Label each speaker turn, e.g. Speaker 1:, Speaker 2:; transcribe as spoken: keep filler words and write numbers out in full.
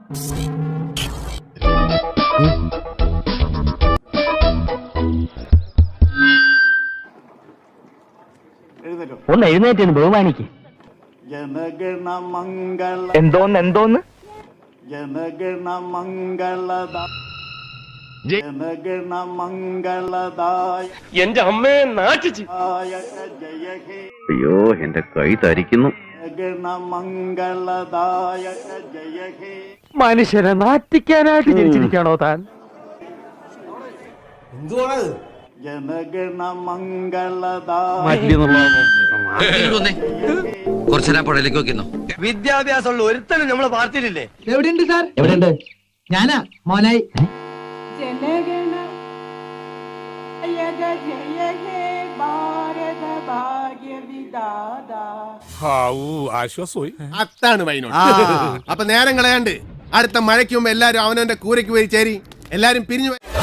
Speaker 1: ഒന്ന് എഴുന്നേറ്റ് ബഹുമാനിക്ക്. എന്തോന്ന് എന്തോന്ന്
Speaker 2: എന്റെ അമ്മയെ നാട്ടിച്ച്.
Speaker 3: അയ്യോ എന്റെ കൈ തരിക്കുന്നു.
Speaker 1: മനുഷ്യനെ നാറ്റിക്കാനായിട്ട് ജനിച്ചിരിക്കാണോ താൻ?
Speaker 4: എന്തുവാണത്?
Speaker 5: കുറച്ചേരാ പുഴയിലേക്ക് വെക്കുന്നു.
Speaker 2: വിദ്യാഭ്യാസമുള്ള ഒരുത്തനും നമ്മളെ പാർട്ടിയിലില്ലേ?
Speaker 1: എവിടെയുണ്ട് സാർ? എവിടെയുണ്ട്? ഞാനാ മോനായി.
Speaker 4: ആശ്വാസമായി. അതാണ് വൈനോട്. അപ്പൊ നേരം കളയാണ്ട് അടുത്ത മഴയ്ക്ക് മുമ്പ് എല്ലാരും അവനവന്റെ കൂരയ്ക്ക് പോയി ചേരി എല്ലാരും പിരിഞ്ഞു.